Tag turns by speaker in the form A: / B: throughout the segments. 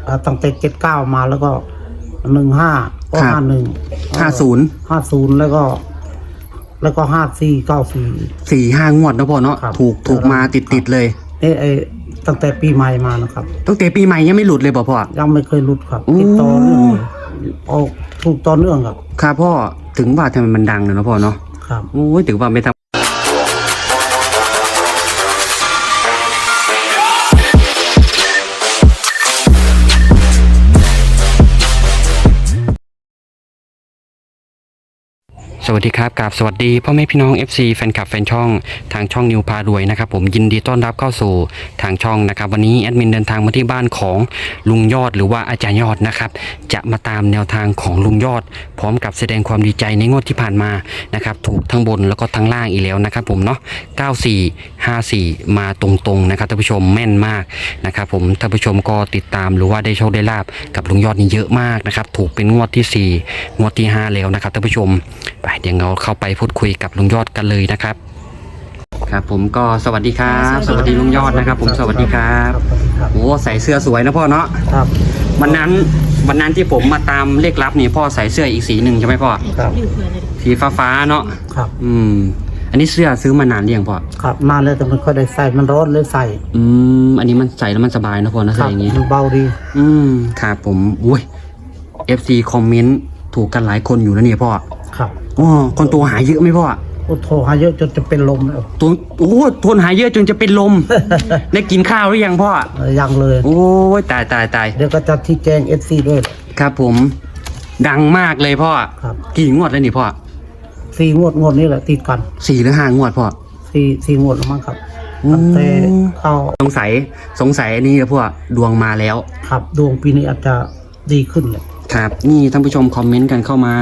A: ตั้งแต่79มาแล้วก็15ก็5150แล้วก็5494
B: 4-5 งวดนะพ่อเนาะถูกมาติดเลย
A: ตั้งแต่ปีใหม่มานะครับ
B: ตั้งแต่ปีใหม่ยังไม่หลุดเลยพ่อ
A: ยังไม่เคยหลุดครับติดต่อเนื่องออกถูกต่อเนื่องครับ
B: ครับพ่อถึงว่าทำไมมันดังเลยนะพ่อเนาะ
A: ครับ
B: โอ้ยถือว่าไม่ทำสวัสดีครับกับสวัสดีพ่อแม่พี่น้อง FC แฟนคลับแฟนช่องทางช่องนิวพารวยนะครับผมยินดีต้อนรับเข้าสู่ทางช่องนะครับวันนี้แอดมินเดินทางมาที่บ้านของลุงยอดหรือว่าอาจารย์ยอดนะครับจะมาตามแนวทางของลุงยอดพร้อมกับแสดงความดีใจในงวดที่ผ่านมานะครับถูกทั้งบนแล้วก็ทั้งล่างอีกแล้วนะครับผมเนาะ9454มาตรงๆนะครับท่านผู้ชมแม่นมากนะครับผมท่านผู้ชมก็ติดตามหรือว่าได้โชคได้ลาบกับลุงยอดนี่เยอะมากนะครับถูกเป็นงวดที่4งวดที่5แล้วนะครับท่านผู้ชมไปเดี๋ยวเราเข้าไปพูดคุยกับลุงยอดกันเลยนะครับครับผมก็สวัสดีครับสวัสดีลุงยอดนะครับผมสวัสดีครับโอ้ใส่เสื้อสวยนะพ่อเนาะ
A: ครับ
B: วันนั้นที่ผมมาตามเลขลับนี่พ่อใส่เสื้ออีกสีหนึ่งใช่ไหมพ่อ
A: ครับ
B: สีฟ้าเนาะ
A: ครับ
B: อันนี้เสื้อซื้อมานานหรือยังพ่อ
A: ครับนานแล้วแต่มันก็ได้ใส่มันร้อนเลยใส่
B: อันนี้มันใส่แล้วมันสบายนะพ่อนะใส่อย่างงี้
A: มันเบาดี
B: ครับผมอุ้ย FC คอมเมนต์ถูกกันหลายคนอยู่นะเนี่ยพ่อ
A: ครับ
B: คนตัวหายเยอะไหมพ่อ
A: โทรหาเยอะจนจะเป็นลมแล้ว
B: ทนหายเยอะจนจะเป็นลม ได้กินข้าวหรือยังพ่อ
A: ยังเลย
B: โอ้ยตาย
A: เดี๋ยวก็จะที่แจ้ง FC ด้วย
B: ครับผมดังมากเลยพ่อ
A: ครับ
B: กี่งวดแล้วนี่พ่อ
A: 4 งวดนี้แหละติดกัน
B: 4 หรือ 5 งวดพ่อ
A: 4 งวดแล้วมั้งครับแต่เข้า
B: สงสัยอันนี้นะพ่อดวงมาแล้ว
A: ครับดวงปีนี้อาจจะดีขึ้นเลย
B: ครับนี่ท่านผู้ชมคอมเมนต์กันเข้ามา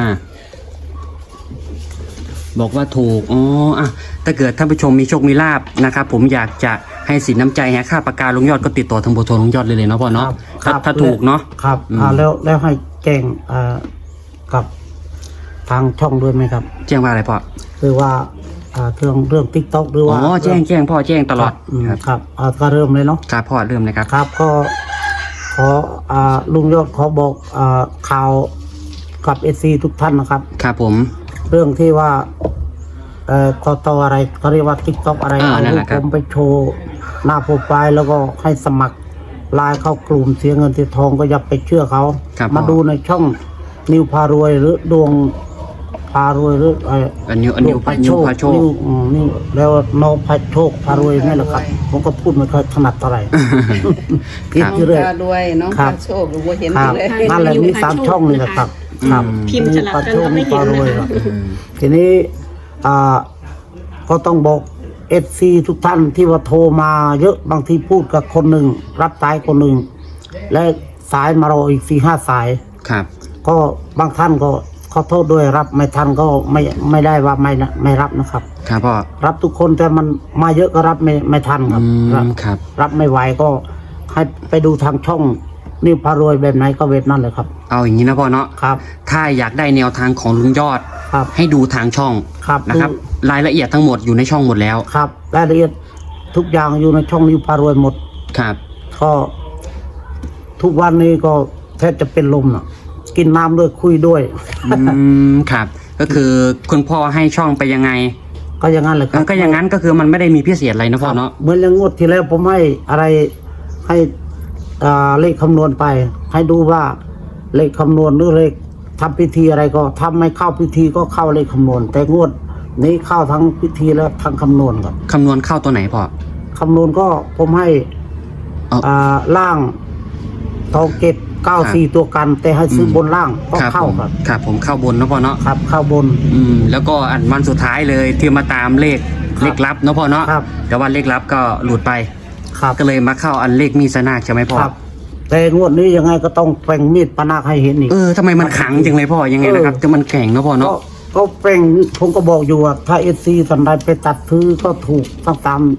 B: บอกว่าถูกถ้าเกิดท่านผู้ชมมีโชคมีลาภนะครับผมอยากจะให้สินน้ำใจให้ค่าปากกาลุงยอดก็ติดต่อทางเบอร์โทรลุงยอดเลยเนาะพ่อเนาะถ้าถูกเนาะ
A: ครับแล้วให้แจ้งกับทางช่องด้วยไหมครับ
B: แจ้งว่าอะไรพ่อ
A: คือว่าเรื่อง TikTok หรือว่า
B: แจ้งพ่อแจ้งตลอด
A: ครับก็เริ่มเลยเนาะ
B: ครับพ่อเริ่มเลยครับ
A: ครับก็ขอลุงยอดขอบอกข่าวกับ SC ทุกท่านนะครับ
B: ครับผม
A: เรื่องที่ว่ากตอะไรเขาเรียกว่า TikTok อะไรผมไปโชว์หน้าโปรไฟล์แล้วก็ให้สมัครไลน์เข้ากลุ่มเสียเงินเสียทองก็อย่าไปเชื่อเขามาดูในช่องนิวพารวยหรือดวงพารวยหรือ
B: นิวพาโชค
A: นี่แล้วโนพาโชคพารวยนี่แหละครับผมก็พูดไม่ค่อยถนัดเท่าไหร่
C: พิมพ์เลยด้วยน้องพาโชคหรือว่าเห็นเลย
A: นั่นแหละมี3 ช่องเลยนะครับ
C: พิมพ์จะรับกันไม่เห็นเลย
A: ทีนี้ก็ต้องบอกFC ทุกท่านที่ว่าโทรมาเยอะบางทีพูดกับคนหนึ่งรับสายคนหนึ่งและสายมารออีก4-5 สาย
B: ครับ
A: ก็บางท่านก็ขอโทษด้วยรับไม่ทันก็ไม่ได้ว่าไม่รับนะครับ
B: ครับพ่อ
A: รับทุกคนแต่มันมาเยอะก็รับไม่ทันครับรับไม่ไหวก็ให้ไปดูทางช่องนิวพารวยแบบไหนก็แบบนั้นเลยครับ
B: เอาอย่างนี้นะพ่อเนาะ
A: ครับ
B: ถ้าอยากได้แนวทางของลุงยอดให้ดูทางช่องนะครับรายละเอียดทั้งหมดอยู่ในช่องหมดแล้ว
A: ครับรายละเอียดทุกอย่างอยู่ในช่องนิวพารวยหมด
B: ครับ
A: ก็ทุกวันนี้ก็แทบจะเป็นลมอ่ะกินน้ำด้วยคุยด้วย
B: ครับก็คือคุณพ่อให้ช่องไปยังไง
A: ก็อย่างนั้นเลยครับ
B: ก็อย่างนั้นก็คือมันไม่ได้มีพิเศษอะไรนะพ่อเนาะ
A: เหมือนอย่างงวดที่แล้วผมให้อะไรให้เลขคำนวณไปให้ดูว่าเลขคำนวณหรือเลขทำพิธีอะไรก็ทำไม่เข้าพิธีก็เข้าเลขคำนวณแต่งวดนี้เข้าทั้งพิธีและทั้งคำนวณครับ
B: คำนวณเข้าตัวไหนพ่อ
A: คำนวณก็ผมให้ล่างทองเก็บ94ตัวกันแต่ให้ซื้อบนล่างก็เข้า
B: ครับผมเข้าบนนะพ่อเนาะ
A: ครับเข้าบน
B: แล้วก็อันวันสุดท้ายเลยที่มาตามเลขลับนะพ่อเนาะแต่ว่าเลขลับก็หลุดไปก็เลยมาเข้าอันเลขมีดสนาคใช่ไหมพ่อ
A: แต่งวดนี้ยังไงก็ต้องแปลงมีดปนาคให้เห็นอีก
B: ทำไมมันขังจังเลยพ่อยังไงนะครับจะมันแข็งนะพ่อเนาะ
A: ก็แปลงผมก็บอกอยู่ว่าถ้าSCสันใดไปตัดซื้อก็ถูกทั้ง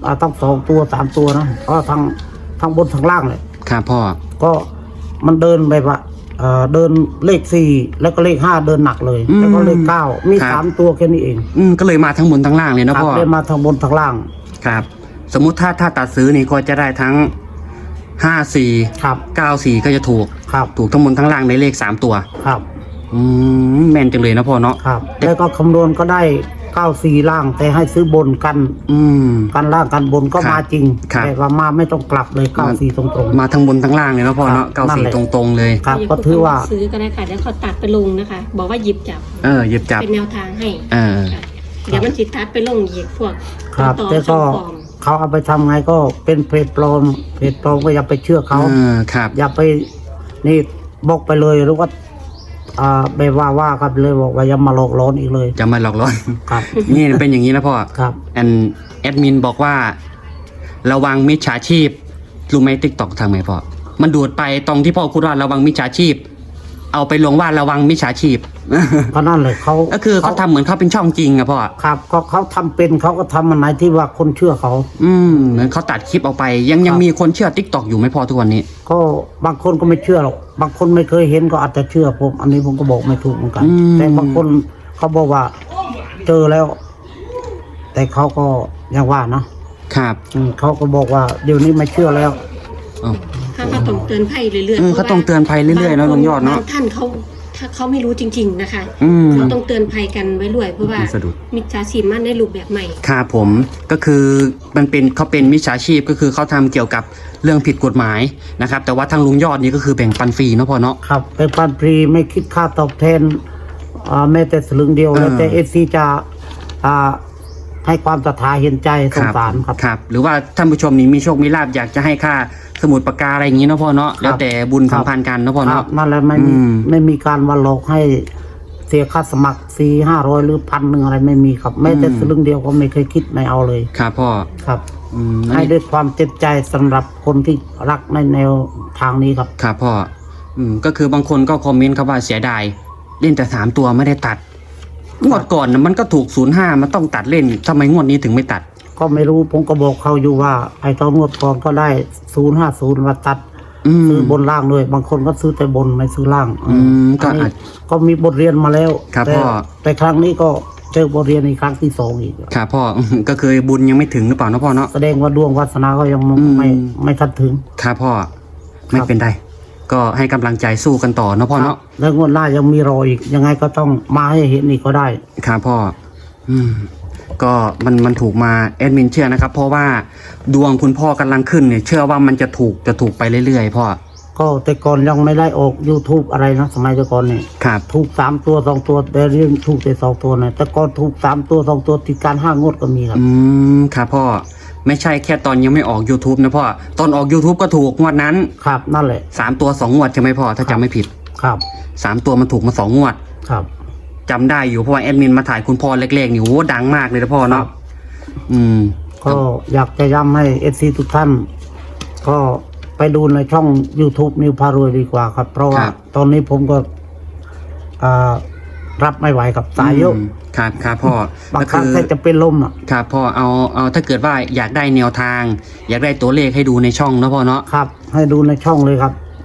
A: 2 ตัว 3 ตัวนะเพราะทั้งบนทั้งล่างเลย
B: ครับพ่อ
A: ก็มันเดินแบบว่าเดินเลข4แล้วก็เลข5เดินหนักเลยแล้วก็เลข9มี3 ตัวแค่นี้เอง
B: ก็เลยมาทั้งบนทั้งล่างเลยนะพ่อ
A: เลยมาทั้งบนทั้งล่าง
B: ครับสมมุติถ้าตัดซื้อนี่ก็จะได้ทั้ง 54
A: ครับ
B: 94ก็จะถูก
A: ครับ
B: ถูกทั้งบนทั้งล่างในเลข3ตัว
A: ครับ
B: แม่นจังเลยนะพ่อเนาะ
A: ครับ แล้วก็คำนวณก็ได้94ล่าง แต่ให้ซื้อบนกัน
B: อืม
A: กันล่างกันบนก็
B: ครับ
A: มาจริง
B: ครับ
A: แต่ว่ามาไม่ต้องกลับเลย94ตรงๆ
B: มาทั้งบนทั้งล่างเลยนะพ่อเนาะ
A: ครับนั่นแหละ
B: 94ตรงๆเลย
A: ครับก็ถือว่า
D: ซื้อก็ได้ค่ะแล้วเขาตัดไปลงนะคะ บอกว่าหยิบจับ
B: หยิบจับ
D: เป็นแนวทางให้
B: เออ
D: ค่ะเดี๋ยวมันจิตตัดไปลงอีกพวก
A: ครับ
D: ต่อ
A: แต่
D: ช่
A: ก็
D: องปลอม
A: เขาเอาไปทำไงก็เป็นเพจปลอมก็อย่าไปเชื่อเขา
B: ครับ
A: อย่าไปนี่บอกไปเลยหรือว่าไปว่าครับเลยบอกว่าอย่ามาหลอกหลอนอีกเลย
B: จะมาหลอกล่อน
A: ครับ
B: นี่เป็นอย่างนี้นะพ่อ
A: ครับ
B: แอดมินบอกว่า ระวังมิจฉาชีพรู้ไหมติ๊กตอกทางไหนพ่อ มันดูดไปตรงที่พ่อพูดว่าระวังมิจฉาชีพ เอาไปลงว่าระวังมิจฉาชีพ
A: เพราะนั่นเลยเขา
B: ก็คือเขาทำเหมือนเขาเป็นช่องจริงอะพ่อ
A: ครับก็เขาทำเป็นเขาก็ทำมันไหนที่ว่าคนเชื่อเขา
B: เหมือนเขาตัดคลิปออกไป ยัง
A: ครับ
B: มีคนเชื่อติ๊กตอกอยู่ไหมพ่อทุกวันนี้
A: ก็บางคนก็ไม่เชื่อหรอกบางคนไม่เคยเห็นก็อาจจะเชื่อผม อันนี้ผมก็บอกไม่ถูกเหมือนกัน แต่บางคนเขาบอกว่าเจอแล้ว แต่เขาก็ยังว่านะครับเขาก็บอกว่าเดี๋ยวนี้ไม่เชื่อแล้ว
D: ถ้าเขาต้องเตือนภัยเรื่อย
B: เขาต้องเตือนภัยเรื่อยๆเนอะลุงยอดเนอะ
D: บางท่านเขาถ้าเขาไม่รู้จริง ๆนะคะ
B: ม
D: เขาต้องเตือนภัยกันไว้ด้วยเพราะว่า
B: สะดุด
D: มิจฉาชีพมันได้รูปแบบใหม่
B: ครับผมก็คือเขาเป็นมิจฉาชีพก็คือเขาทำเกี่ยวกับเรื่องผิดกฎหมายนะครับ แต่ว่าทางลุงยอดนี่ก็คือแบ่งปันฟรีเนาะพ่อเนาะ
A: ครับเป็นปันฟรีไม่คิดค่าตอบแทนแม้แต่สลึงเดียวแล้วแต่FCจะให้ความศรัทธาเห็นใจสงสารครับ
B: ครับ หรือว่าท่านผู้ชมนี่มีโชคมีลาภอยากจะให้ค่าสมุดปากกาอะไรอย่างนี้เนาะพ่อเนาะแล้วแต่บุญสัมพันธ์กันเนาะพ่อ
A: ครั
B: เนาะ
A: บนั่นแหละไม่มีการวันหลอกให้เสียค่าสมัคร400-500หรือ1,000อะไรไม่มีครับแม้แต่สลึงเดียวก็ไม่เคยคิดไม่เอาเลย
B: ครับพ่อ
A: ครับ
B: อัน
A: ให้
B: นี้
A: ด้วยความเต็มใจสำหรับคนที่รักในแนวทางนี้ครับ
B: ครับพ่อก็คือบางคนก็คอมเมนต์ครับว่าเสียดายเล่นแต่3ตัวไม่ได้ตัดงวดก่อนนะมันก็ถูก05มันต้องตัดเล่นทำไมงวดนี้ถึงไม่ตัด
A: ก็ไม่รู้ผมก็บอกเขาอยู่ว่าไอ้ตอนงวดก่อนก็ได้050มาตัดซื้อบนล่างด้วยบางคนก็ซื้อแต่บนไม่ซื้อล่าง
B: ก็
A: อันนี้
B: อาจ
A: ก็มีบทเรียนมาแล้ว
B: ครับ
A: แต่
B: พ่อ
A: แต่ครั้งนี้ก็เจอบทเรียนในครั้งที่2อีก
B: ครับพ่อ ก็คือบุญยังไม่ถึงหรือเปล่าเนาะพ่อเนาะ
A: แสดงว่าดวงวาสนาก็ยัง
B: อืม
A: ไม่ทันถึง
B: ครับพ่อไม่เป็นไรก็ให้กำลังใจสู้กันต่อเนาะพ่อเนาะ
A: แล้วงวดหน้ายังมีรออีกยังไงก็ต้องมาให้เห็นอีกก็ได้
B: ครับพ่อก็มันถูกมาแอดมินเชื่อนะครับ เพราะว่าดวงคุณพ่อกำลังขึ้นเนี่ยเชื่อว่ามันจะถูกไปเรื่อยๆพ่อ
A: ก็แต่ก่อนยังไม่ได้ออก YouTube อะไรนะสมัยแต่ก่อนเนี่ย
B: ครับ
A: ถูก3ตัว2ตัวแต่เรื่องถูกแต่2ตัวนะแต่ก่อนถูก3ตัว2ตัวติดการ5งวดก็มีครับ
B: ครับพ่อไม่ใช่แค่ตอนยังไม่ออก YouTube นะพ่อตอนออก YouTube ก็ถูกงวดนั้น
A: ครับนั่นแหละ
B: 3ตัว2งวดใช่ไหมพ่อถ้าจำไม่ผิด
A: ครับ
B: 3ตัวมันถูกมา2งวด
A: ครับ
B: จำได้อยู่เพราะว่าแอดมินมาถ่ายคุณพ่อเล็กๆนี่โอ้ดังมากเลยนะพ่อเนาะ
A: ก็อยากจะย้ำให้FC ทุกท่าน ก็ไปดูในช่อง YouTube นิวพารวยดีกว่าครับ เพราะว่าตอนนี้ผมก็รับไม่ไหวกับสายเยอะ
B: ครับพ่อบ
A: างครั้งแค่จะเป็นลมอ่ะ
B: ครับพ่อเอาถ้าเกิดว่าอยากได้แนวทาง อยากได้ตัวเลขให้ดูในช่องเนาะพ่อเนาะ
A: ครับ ให้ดูในช่องเลยครับ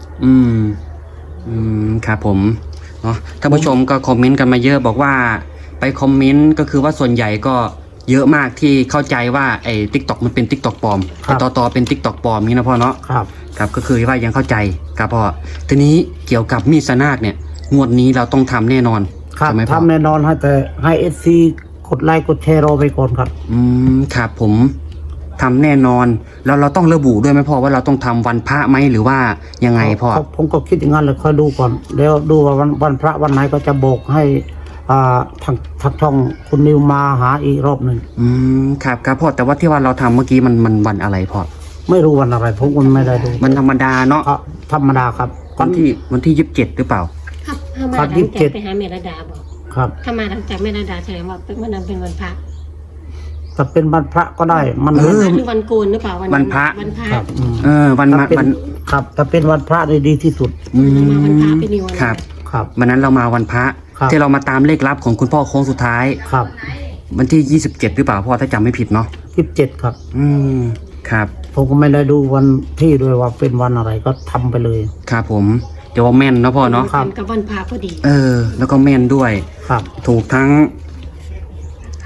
B: ครับผมเนาะท่านผู้ชมก็คอมเมนต์กันมาเยอะบอกว่าไปคอมเมนต์ก็คือว่าส่วนใหญ่ก็เยอะมากที่เข้าใจว่าไอ้ TikTok มันเป็น TikTok ปลอม
A: ครับ
B: ไอ้ต่อเป็น TikTok ปลอมนี่นะพ่อเนาะ
A: ครับ
B: ครับก็คือว่ายังเข้าใจครับพ่อทีนี้เกี่ยวกับมีดสนากเนี่ยงวดนี้เราต้องทำแน่นอน
A: ครับ
B: ใช่ไหมพ่อ
A: ทำแน่นอนแต่ให้ FC กดไลค์กดแชร์รอไปก่อนครับ
B: ครับผมทำแน่นอนแล้วเราต้องระบุด้วยไหมพ่อว่าเราต้องทำวันพระไหมหรือว่ายังไงพ่อ
A: ผมก็คิดอย่างนั้นเลยค่อยดูก่อนแล้วดูว่าวันพระวันไหนก็จะบอกให้ทางช่องคุณนิวมาหาอีกรอบหนึ่ง
B: ครับพ่อแต่ว่าที่ว่าเราทำเมื่อกี้มันวันอะไรพ่อ
A: ไม่รู้วันอะไรผมก็ไม่ได้ดู
B: มันธรรมดาเนาะ
A: ธรรมดาครับ
B: วันที่27หรือเปล่า
D: ครับถ้ามา
A: ครั
D: ห
A: บ
D: ลังจาก
A: 27
D: ไปหาเมรดาบอก
A: ครับ
D: ถ้ามาหลังจากเมรดาแสดงว่าวันนั้นเป็นวันพระ
A: ถ้าเป็นวันพระก็ได้มัน
D: วันพระหรือวันโกนหรือเปล่า
B: วันพระ
D: วันพระ
A: ครับ
B: วัน
A: ถ้าเป็นครับถ้าเป็นวันพระได้ดีที่สุด
D: เรามาวันพระเป็นนิวัน
B: ครับ
A: ครับ
B: วันนั้นเรามาวันพระ
A: ครับ
B: ที่เรามาตามเลขลับของคุณพ่อโค้งสุดท้าย
A: ครับ
B: วันที่27หรือเปล่าพ่อถ้าจำไม่ผิดเนาะ
A: 27ครับ
B: ครับ
A: ผมก็ไม่ได้ดูวันที่ด้วยว่าเป็นวันอะไรก็ทำไปเลย
B: ครับผมเดี๋ยวว่าแม่นเนาะพ่อเนาะ
D: ครับกับวันพระพอดี
B: แล้วก็แม่นด้วย
A: ครับ
B: ถูกทั้ง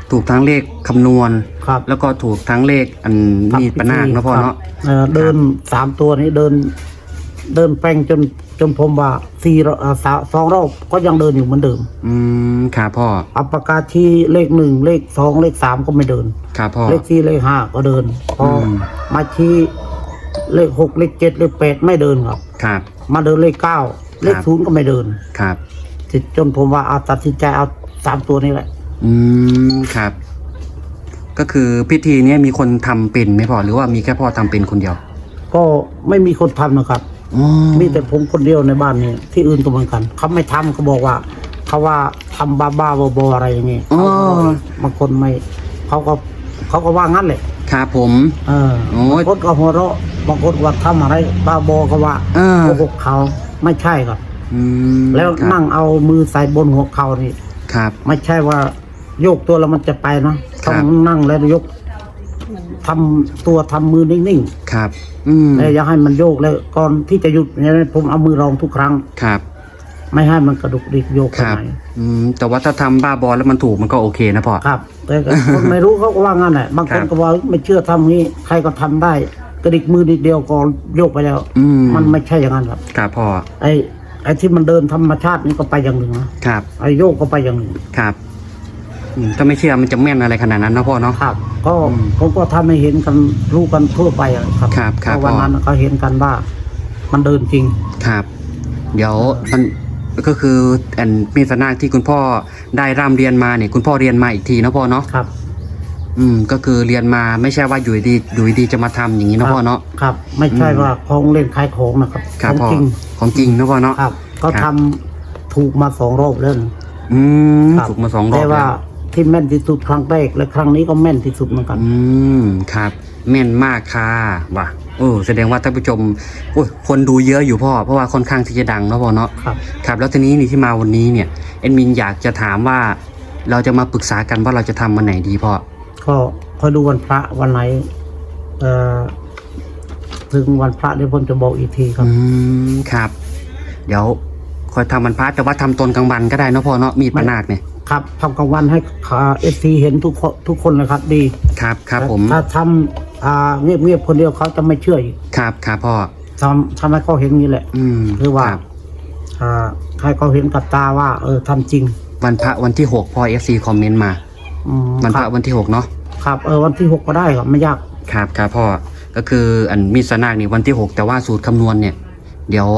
B: ถูกทั้งเลขคำนวณ
A: ครับ
B: แล้วก็ถูกทั้งเลขอันมีดปะนาคนะพ่อเนาะ
A: เดิน3 ตัวนี้เดินแป้งจนผมว่า2 รอบก็ยังเดินอยู่เหมือนเดิม
B: ครับพ่อ
A: อัปปากาที่เลข 1 เลข 2 เลข 3ก็ไม่เดิน
B: ครับพ่อ
A: เลข4เลข 5ก็เดินพออ
B: ม
A: มาชี้เลข 6 เลข 7 เลข 8ไม่เดินครับ
B: ครับ
A: มาเดินเลข 9 เลข 0ก็ไม่เดิน
B: ครับ
A: จนผมว่าเอาตัดสินใจเอา3 ตัวนี้แหละ
B: ครับ ก็คือพิธีเนี้ยมีคนทำเป็นไหมพ่อหรือว่ามีแค่พ่อทำเป็นคนเดียว
A: ก็ไม่มีคนทำนะครับ
B: อ๋อ
A: มีแต่ผมคนเดียวในบ้านนี้ที่อื่นก็เหมือนกันเขาไม่ทำเขาบอกว่าเขาว่าทำบ้าๆบอๆอะไรอย่างเงี้ย
B: อ๋อ
A: บางคนไม่เขาก็ว่างั้นแหละ
B: ครับผม โอ้ย
A: บางคนก็หัวเราะบางคนว่าทำอะไรบ้าบอก็ว่า
B: เออ
A: โกหกเขาไม่ใช่ครับ แล้ว
B: ครับ
A: นั่งเอามือใส่บนหัวเขานี่
B: ครับ
A: ไม่ใช่ว่าโยกตัวแล้วมันจะไปนะ
B: ครั
A: ต้อบ งนั่งแล้วยกทำตัวทำมือนิ่ง
B: ครับ
A: ๆแล้วอย่าให้มันโยกแล้วก่อนที่จะหยุดเนี่ยผมเอามือรองทุกครั้ง
B: ครับ
A: ไม่ให้มันกระดุกดิกโยกไป
B: ครับ
A: ไหน
B: แต่ว่าถ้าทำบ้าบอแล้วมันถูกมันก็โอเคนะพ่อ
A: ครับ แต่คนไม่รู้เขาก็ว่างั้นแหละบางคน
B: ครับ
A: ก็ว่าไม่เชื่อทำงี้ใครก็ทำได้ กระดิกมือนิดเดียวก็โยกไปแล้ว มันไม่ใช่อย่างนั้นครับ
B: ครับพ่อ
A: ไอ้ที่มันเดินธรรมชาตินี่ก็ไปอย่างหนึ่งนะครับ ไอ้โยกก็ไปอย่างหนึ่ง
B: ครับถ้าไม่เชื่อมันจะแม่นอะไรขนาดนั้นนะพ่อเนาะ
A: ครับ ก็
B: อืม
A: ผมก็ทำให้เห็นกันรู้กันทั่วไปอะครับ
B: ครับครับ
A: เพาะวัน
B: พ่อ
A: นั้นเขาเห็นกันว่ามันเดินจริง
B: ครับ เดี๋ยวมันก็คืออันมีสนาคที่คุณพ่อได้ร่ำเรียนมาเนี่ยคุณพ่อเรียนมาอีกทีนะพ่อเนาะ
A: ครับ
B: ก็คือเรียนมาไม่ใช่ว่าอยู่ดีจะมาทำอย่างนี้นะพ่อเนาะ
A: ครับ ไม่ใช่
B: อืม
A: ว่าของเล่นขายของนะครับ
B: ครับ
A: ของ
B: พ่อ
A: จริง
B: ของจริงนะพ่อเนาะ
A: ครับ ก็
B: ค
A: ทำ
B: รับ
A: ถูกมา2 รอบแล้ว ครับ
B: ถูกมา2 รอบ
A: แต่ว่า
B: แล้ว
A: ที่แม่นที่สุดครั้งแรกและครั้งนี้ก็แม่นที่สุดเหมือนกัน
B: ครับ แม่นมากค่ะว่ะแสดงว่าท่านผู้ชมโอ้ยคนดูเยอะอยู่พ่อเพราะว่าค่อนข้างที่จะดังเนาะพ่อเนาะ
A: ครับ
B: ครับแล้วทีนี้นี่ที่มาวันนี้เนี่ยเอ็ดมินอยากจะถามว่าเราจะมาปรึกษากันว่าเราจะทำวันไหนดีพ่อ
A: ก็คอยดูวันพระวันไหนถึงวันพระเดี๋ยวผมจะบอกอีกทีครับ
B: ครับ เดี๋ยวคอยทำวันพระแต่ว่าทำตอนกลางวันก็ได้เนาะพ่อเนาะมีดปะนาคเนี่ย
A: ครับทำกลางวันให้FC เห็นทุกคนเลยครับดี
B: ครับครับผม
A: ถ้าทำเงียบๆคนเดียวเขาจะไม่เชื่ออีก
B: ครับครับพ่อ
A: ทำให้เขาเห็นนี้แหละ คือว่า
B: ครับ
A: ให้เขาเห็นกับตาว่าทำจริง
B: วันพระวันที่6พ่อ FC คอมเมนต์มา วันพ
A: ค
B: ระ
A: รับ
B: วันที่6เนาะ
A: ครับวันที่ 6ก็ได้ครับไม่ยาก
B: ครับครับพ่อก็คืออันมีดสนาคนี่วันที่6แต่ว่าสูตรคำนวณเนี่ย เดี๋ยว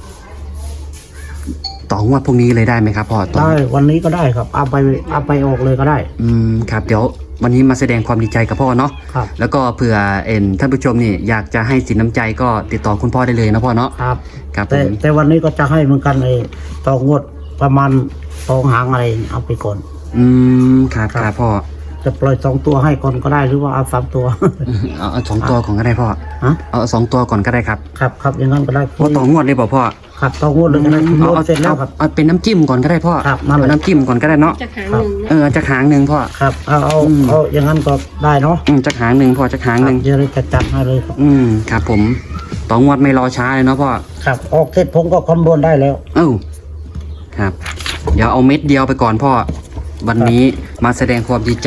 B: ต่องวดพวกนี้เลยได้ไหมครับพ่อต่อ
A: ได้วันนี้ก็ได้ครับเอาไปออกเลยก็ได้
B: ครับเดี๋ยววันนี้มาแสดงความดีใจกับพ่อเนาะ
A: ครับ
B: แล้วก็เผื่อท่านผู้ชมนี่อยากจะให้สินน้ำใจก็ติดต่อคุณพ่อได้เลยนะพ่อเนาะ
A: ครับ
B: ครับผ
A: แต่
B: ม
A: วันนี้ก็จะให้เหมือนกันต่องวดประมาณ2 หางอะไรเอาไปก่อน
B: ครับ
A: ครับ
B: ครับพ่อ
A: จะปล่อย2 ตัวให้ก่อนก็ได้หรือว่าเอา3 ตัว
B: เอา2 ตัวก่อนก็ได้พ่อ
A: ฮะ
B: เอา2 ตัวก่อนก็ได้ครับ
A: ครับอย่างนั้นก็ได้
B: เพราะต่องวดเลยบอกพ่อ
A: ครับต่องวดเลยก็ได้คุณโน้ตเสร็จแล้วครับ
B: เอาเป็นน้ำจิ้มก่อนก็ได้พ่อ
A: ครับนั่นแหละ
B: เอาน้ำจิ้มก่อนก็ได้เนาะ
D: จะหางหนึ่งนะ
B: จะหางหนึ่งพ่อ
A: ครับเอาอย่างนั้นก็ได้เนาะ
B: จะหางหนึ่งพ่อจะหางหนึ่ง
A: เดี๋ยวเราจะจัดให้เลยครับ
B: ครับผมต่องวดไม่รอช้าเลยเนาะพ่อ
A: ครับออกเสร็จผมก็คำนวณได้แล้ว
B: ครับ เดี๋ยวเอาเม็ดเดียวไปก่อนพ่อ วันนี้มาแสดงความดีใจ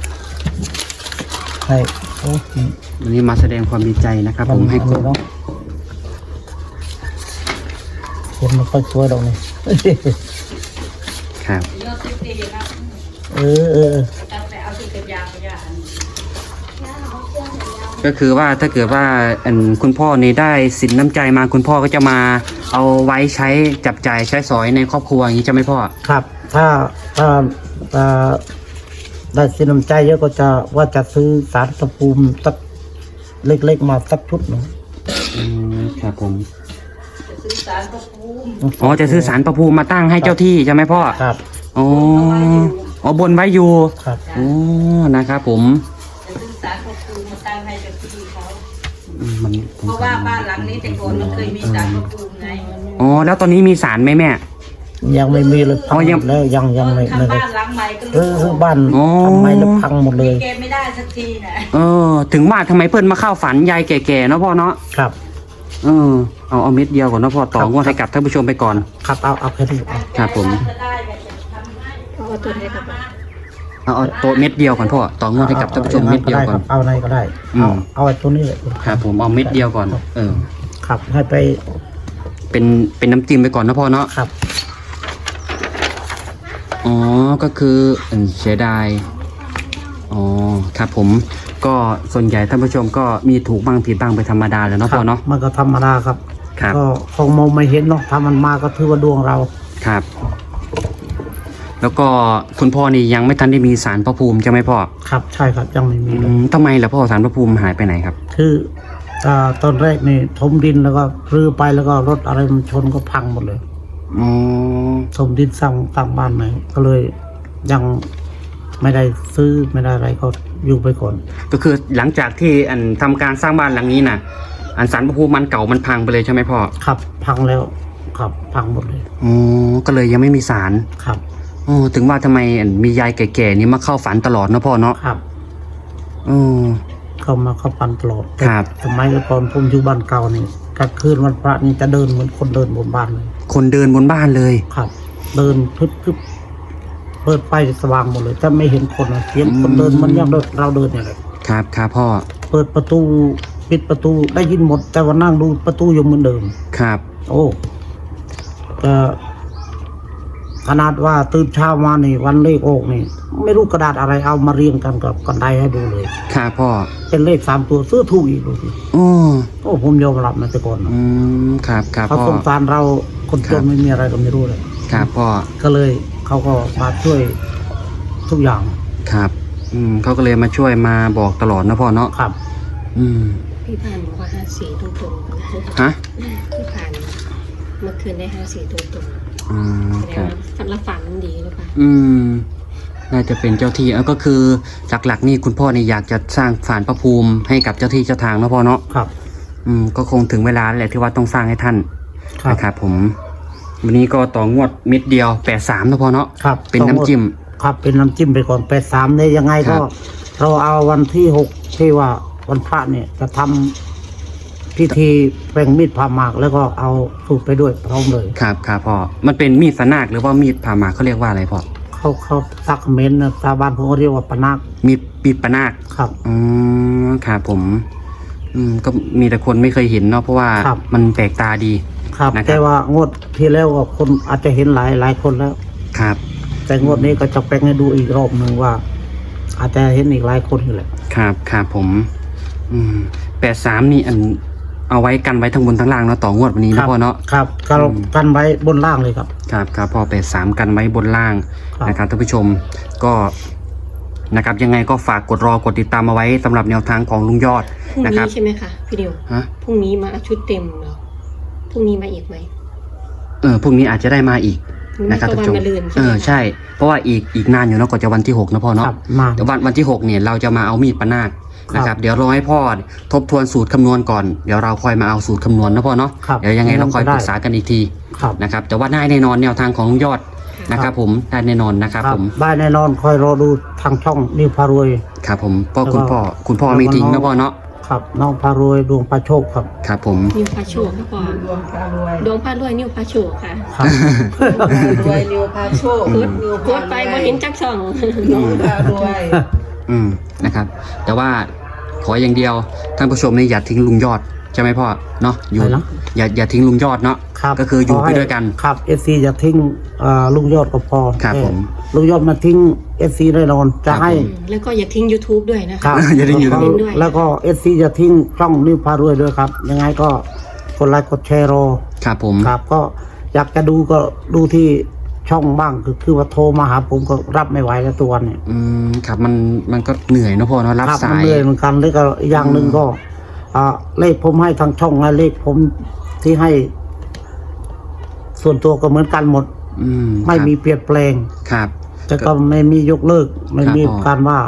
A: ใช่โอ้ย
B: วันนี้มาแสดงความดีใจนะครับ ผมให้กด
A: เนาะคนมันค่อยสวยดอกนี่
B: ครับ
A: เออ
B: ก็คือว่าถ้าเกิดว่าคุณพ่อนี่ได้สินน้ำใจมาคุณพ่อก็จะมาเอาไว้ใช้จับจ่ายใช้สอยในครอบครัวอย่างนี้ใช่ไหมพ่อ
A: ครับ ถ้าได้สินน้ำใจเยอะก็จะซื้อสารตะปูมสักเล็กๆมาสักชุดหนึ่ง
B: ครับผมอ๋อจะซื้อสารประภูมิมาตั้งให้เจ้าที่ใช่ไหมพ่อ
A: ครับ
B: อ๋อบนไว้อยู่
A: ครับ
B: อ๋อนะครับผม
C: จะซื้อสารพระภูมิมาตั้งให้กับที่เขา
B: มัน
C: เพราะว่าบ้านหลังนี้แต่ก่อนมันเคยมีสารพระภูมิไง
B: อ๋อแล้วตอนนี้มีสารไหมแม่
A: ยังไม่มีเลยพัง
B: อ๋อยัง
A: หมดแล้วยังไม่
C: ทำ
A: ได้
C: บ้านหลังใหม่ก็
A: คือบ้าน
B: อ๋อ
A: ทำไมแล้วพังหมดเลย
C: แกไม่ได้สักทีนะ
B: ถึงว่าทำไมเพื่อนมาเข้าฝันยายแก่ๆเนาะพ่อเนาะ
A: ครับ
B: เอาเม็ดเดียวก่อนเนาะพ่อต่องวดให้กับท่านผู้ชมไปก่อน
A: ครับเอาแค่นี้เอา
B: ครับผม
C: จะได้แบบจะทำให้
D: เพราะว่าตัวนี้ครับ
B: เอาตัวเม็ดเดียวก่อนพ่อต่องวดให้กับท่านผู้ชมเม็ดเดียวก่อน
A: เอาไหนก็ได้
B: อืม
A: เอาไอ้ตัวนี้เลย
B: ครับผมเอาเม็ดเดียวก่อน
A: ครับให้ไป
B: เป็นน้ำจิ้มไปก่อนนะพ่อเนาะ
A: ครับ
B: อ๋อก็คือเสียดายอ๋อครับผมก็ส่วนใหญ่ท่านผู้ชมก็มีถูกบ้างผิดบ้างไปธรรมดาเลยเนาะพ่อเนาะ
A: มันก็ธรรมดาครับ
B: ครับ
A: ก็คงมองไม่เห็นเนาะถ้ามันมาก็ถือว่าดวงเรา
B: ครับ แล้วก็คุณพ่อนี่ยังไม่ทันได้มีศาลพระภูมิใช่ไหมพ่อ
A: ครับใช่ครับยังไม่มีเลย
B: ทำไมล่ะพ่อศาลพระภูมิหายไปไหนครับ
A: คือตอนแรกนี่ถมดินแล้วก็รื้อไปแล้วก็รถอะไรมันชนก็พังหมดเลย
B: อ๋อ
A: ถมดินสร้างบ้านใหม่ก็เลยยังไม่ได้ซื้อไม่ได้อะไรก็อยู่ไปก่อน
B: ก็คือหลังจากที่ทำการสร้างบ้านหลังนี้นะศาลพระภูมิมันเก่ามันพังไปเลยใช่ไหมพ่อ
A: ครับพังแล้วครับพังหมดเลย
B: อ๋อก็เลยยังไม่มีศาล
A: ครับ
B: อ๋อถึงว่าทำไมมียายแก่ๆนี่มาเข้าฝันตลอดเนาะพ่อเนาะ
A: ครับ
B: อ๋อ
A: เข้ามาเข้าปันตลอด
B: ครับ
A: สมัยก่อนผมอยู่บ้านเก่านี่กลางคืนวันพระนี่จะเดินเหมือนคนเดินบนบ้านเลย
B: คนเดินบนบ้านเลย
A: ครับ เดินพึบเปิดไฟสว่างหมดเลยแต่ไม่เห็นคนนะเสียงคนเดินมันยังเราเดินอย่างไร
B: ครับครับพ่อ
A: เปิดประตูปิดประตูได้ยินหมด แต่ว่านั่งดูประตูยังเหมือนเดิม
B: ครับ
A: โอ้ก็ขนาดว่าตื่นเช้ามานี่วันเลขออกนี่ ไม่รู้กระดาษอะไรเอามาเรียงกันกับกันไดให้ดูเลย
B: ครับพ่อ
A: เป็นเลข3 ตัวซื้อถูกอีกดูสิ
B: อ๋อ
A: โอ้ผมยอมรับนะแต่ก่อนนะ
B: ครับครับ
A: เขา
B: พ่อ
A: สงสารเราคนจนไม่มีอะไรก็ไม่รู้เลย
B: ครับพ่อ
A: ก็เลยเขาก็มาช่วยทุกอย่าง
B: ครับเขาก็เลยมาช่วยมาบอกตลอดนะพ่อเนาะ
A: ครับ
D: พี่ผ่านบอกว่า54ตรงๆ
B: ฮะ
D: พี่ผ่านเมื่อคืนได้54ตรงๆแสด
B: ค
D: ง
B: รับ
D: ว่าฝันละฝันดีหรือเปล่า
B: น่าจะเป็นเจ้าที่ก็คือหลักๆนี่คุณพ่อเนี่ยอยากจะสร้างศาลพระภูมิให้กับเจ้าที่เจ้าทางนะพ่อเนาะ
A: ครับ
B: ก็คงถึงเวลาแล้วแหละที่ว่าต้องสร้างให้ท่าน
A: ครับ
B: นะครับผม วันนี้ก็ต่องวดเม็ดเดียว83นะพ่อเนาะ
A: ครับ
B: เป็นน้ำจิ้ม
A: ครับเป็นน้ำจิ้มไปก่อน83เนี่ยยังไง
B: ครั
A: ก็
B: บ
A: เราเอาวันที่6ที่ว่าวันพระเนี่ยจะทำพิธีแปลงมีดผ่าหมากแล้วก็เอาสูตรไปด้วยพร้อมเลย
B: ครับครับพ่อมันเป็นมีดสนากหรือว่ามีดผ่าหมากเขาเรียกว่าอะไรพ่อ
A: เขาซักเมนนะชาวบ้านผมก็เรียกว่าปะนัก
B: มีดปะนาค
A: ครับ
B: ครับผมก็มีแต่คนไม่เคยเห็นเนาะเพราะว่า
A: ครับ
B: มันแปลกตาดี
A: ครับ
B: นะครับ
A: แต่ว่างวดที่แล้วก็คนอาจจะเห็นหลายคนแล้ว
B: ครับ
A: แต่งวดนี้ก็จะแปลงให้ดูอีกรอบหนึ่งว่า อาจจะเห็นอีกหลายคนอยู่แหละ
B: ครับครับผม83นี่เอาไว้กันไว้ทั้งบนทั้งล่างเนาะต่องวดวันนี้
A: ครั
B: นะพ่อเนาะ
A: ครับกันไว้บนล่างเลยครับ
B: ครับครับพอ83กันไว้บนล่าง
A: ครับ
B: นะครับท่านผู้ชมก็นะครับยังไงก็ฝากกดติดตามเอาไว้สำหรับแนวทางของลุงยอด
D: พรุ่ง
B: นะค
D: นี้
B: รับ
D: ใช่ไหมคะพี่ดิว
B: ฮะ
D: พรุ่งนี้มาชุดเต็มเหรอพรุ่งนี้มาอีกไหม
B: พรุ่งนี้อาจจะได้มาอีก
D: พรุ่ง
B: นะ
D: นี้
B: ครับ
D: ก็
B: ท่าน
D: วัน
B: ผู้ชม
D: มะรืนใช่ไหมคะ
B: ใช่เพราะว่าอีกนานอยู่เนาะกว่าจะวันที่6นะพ่อเนาะ
A: ครับมา
B: เดี๋ยววันที่6เนี่ยเราจะมาเอามีดปะนาคนะครับเดี๋ยวรอให้พ่อทบทวนสูตรคำนวณก่อนเดี๋ยวเราค่อยมาเอาสูตรคำนวณนะพ่อเนาะ
A: ครับ
B: เดี๋ยวยังไงเราค่อย
A: ได้
B: ปรึกษากันอีกที
A: ครับ
B: นะครับแต่ว่าได้แน่นอนแนวทางของลุงยอดนะครับผมได้แน่นอนนะครับผม
A: ได้แน่นอนคอยรอดูทางช่องนิวพารวย
B: ครับผมเพราะ
A: แล้วก็
B: คุณพ่อไม่ทิ้งนะพ่อเนาะ
A: ครับน้องพารวยดวงพระโชคครับ
B: ครับผม
D: นิวพาโชคก่อน
C: ดวงพารวย
D: ดวงพาด้วยนิวพาโชคค่ะ
A: ครับ
C: รวยนิวพาโชคนิว
D: กดไปบ่เห็นจักช่อง
C: นิวพารวย
B: นะครับแต่ว่าขออย่างเดียวท่านผู้ชมนี่อย่าทิ้งลุงยอดใช่ไหมพ่อเนาะอยู่
A: อะไรนะ
B: อย่าทิ้งลุงยอดเนาะ
A: ครับ
B: ก็คืออยู่ไป
A: ขให้
B: ด้วยกัน
A: ครับเอฟซีจะทิ้งลุงยอดก็พอ
B: ครับผม
A: ลุงยอดมาทิ้งเอฟซีแน่นอนจะให้
D: แล้วก็อย่าทิ้ง YouTube ด้วยนะ
A: ครั
D: คะ
A: บ
B: อย่าทิ้ง YouTube
D: ด้วย
A: แล้วก็เอฟซีจะทิ้งช่องนิวพารวยด้วยครับ ยังไงก็กดไลค์กดแชร์รอ
B: ครับผม
A: ครับ ก็อยากจะดูก็ดูที่ช่องบ้างคือว่าโทรมาหาผมก็รับไม่ไหวแล้วตัวเนี่ย
B: ครับมันก็เหนื่อยเนอะพ่อเนาะรับ
A: ครับ
B: สา
A: มัน
B: ย
A: เหนื่อยเหมือนกันแล้วก็อีกอย่างหนึ่งก็เลขผมให้ทางช่องและเลขผมที่ให้ ส่วนตัวก็เหมือนกันหมด ไม่มีเปลี่ยนแปลง
B: ครับ
A: แต่ก็ไม่มียกเลิก ไม่มี
B: ครับผม
A: การว่า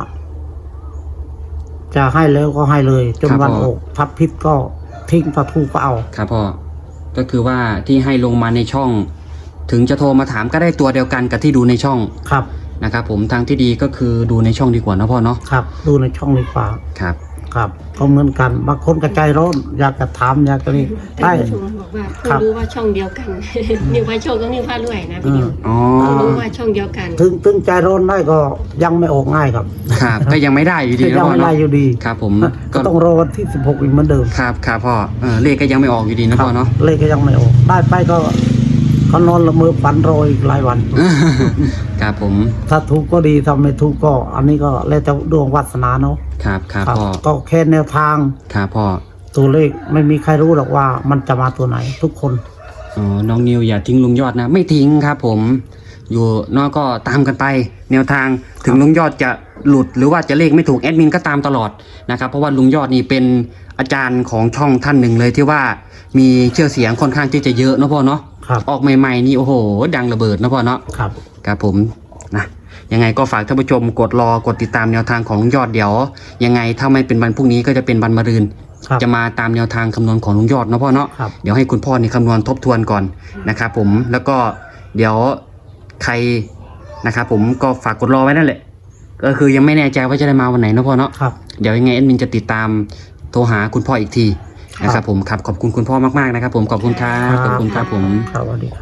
A: จะให้แล้วก็ให้เลย จน
B: ครับ
A: วัน
B: ผม
A: อกทับพิษก็ทิ้งประทูก็เอา
B: ครับพ่อก็คือว่าที่ให้ลงมาในช่อง ถึงจะโทรมาถามก็ได้ตัวเดียวกันกับที่ดูในช่อง
A: ครับ
B: นะครับผมทางที่ดีก็คือดูในช่องดีกว่านะพ่อเนาะ
A: ครับ ดูในช่องดีกว่า
B: ครับ
A: ครับ ก็เหมือนกันบางคนก็ใจร้อนอยากจะถามอยากจะนี่ได้
D: ท่านผู้ชมบอกว่า
A: ค
D: เพิ่
A: รั
D: ง
A: บ
D: รู้ว่าช่องเดียวกัน นิวพาโชคกับนิวพารวยนะพี่นิว
B: อ๋อ
D: เพิ่งรู้ว่าช่องเดียวกัน
A: ถึงใจร้อนได้ก็ยังไม่ออกง่ายครับ
B: ครับก็ยังไม่ได้อยู่ดี
A: ยั
B: นะ
A: ง
B: พ่อ
A: ไม่ได้
B: เนาะ
A: อยู่ดี
B: ครับผม
A: ก็ต้องรอวันที่ 16 อีกเหมือนเดิม
B: ครับครับพ่อเลขก็ยังไม่ออกอยู่ดีนะพ่อเนาะ
A: เลขก็ยังไม่ออกได้ไปก็นอนละเมอฝันรออีกหลายวัน
B: ครับผม
A: ถ้าถูกก็ดีถ้าไม่ถูกก็ อันนี้ก็แล้วแต่ดวงวาสนาเนาะ
B: ครับครับ
A: ครับ
B: พ่อ
A: ก็แค่แนวทาง
B: ครับพ่อ
A: ตัวเลขไม่มีใครรู้หรอกว่ามันจะมาตัวไหนทุกคน
B: อ๋อน้องนิวอย่าทิ้งลุงยอดนะ ไม่ทิ้งครับผมอยู่เนอกก็ตามกันไป แนวทางถึงลุงยอดจะหลุดหรือว่าจะเลขไม่ถูกแอดมินก็ตามตลอดนะครับเพราะว่าลุงยอดนี่เป็นอาจารย์ของช่องท่านหนึ่งเลยที่ว่ามีเชื่อเสียงค่อนข้างที่จะเยอะเนาะพ่อเนาะ
A: ครับ
B: ออกใหม่ๆนี่โอ้โหดังระเบิดนะพ่อเนาะ
A: ครับ
B: ครับผมนะยังไงก็ฝากท่านผู้ชมกดติดตามแนวทางของลุงยอดเดี๋ยวยังไงถ้าไม่เป็นวันพรุ่งนี้ก็จะเป็นวันมะรืน
A: ครับ
B: จะมาตามแนวทางคำนวณของลุงยอดเนาะพ่อเนาะ
A: ครับ
B: เดี๋ยวให้คุณพ่อนี่คำนวณทบทวนก่อนนะครับผมแล้วก็เดี๋ยวใครนะครับผมก็ฝากกดรอไว้นั่นแหละก็คือยังไม่แน่ใจว่าจะได้มาวันไหนเนาะพ่อเนาะ
A: ครับ
B: เดี๋ยวยังไงแอดมินจะติดตามโทรหาคุณพ่ออีกทีนะครับผมครับขอบคุณคุณพ่อมากๆนะครับผมขอบคุณครับขอบคุณครับผม
A: ครับสวัสดีครับ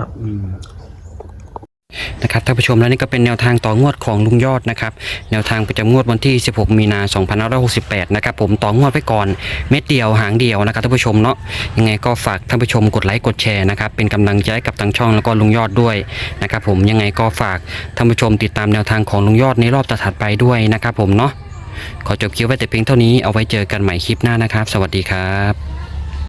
B: นะครับท่านผู้ชมแล้วนี่ก็เป็นแนวทางต่องวดของลุงยอดนะครับแนวทางประจำงวดวันที่ 16 มีนาคม 2568 นะครับผมต่องวดไปก่อนเม็ดเดียวหางเดียวนะครับท่านผู้ชมเนาะยังไงก็ฝากท่านผู้ชมกดไลค์กดแชร์นะครับเป็นกำลังใจให้กับทางช่องแล้วก็ลุงยอดด้วยนะครับผมยังไงก็ฝากท่านผู้ชมติดตามแนวทางของลุงยอดในรอบถัดไปด้วยนะครับผมเนาะขอจบคลิปไว้แต่เพียงเท่านี้เอาไว้เจอกันใหม่คลิปหน้านะครับสวัสดีครับ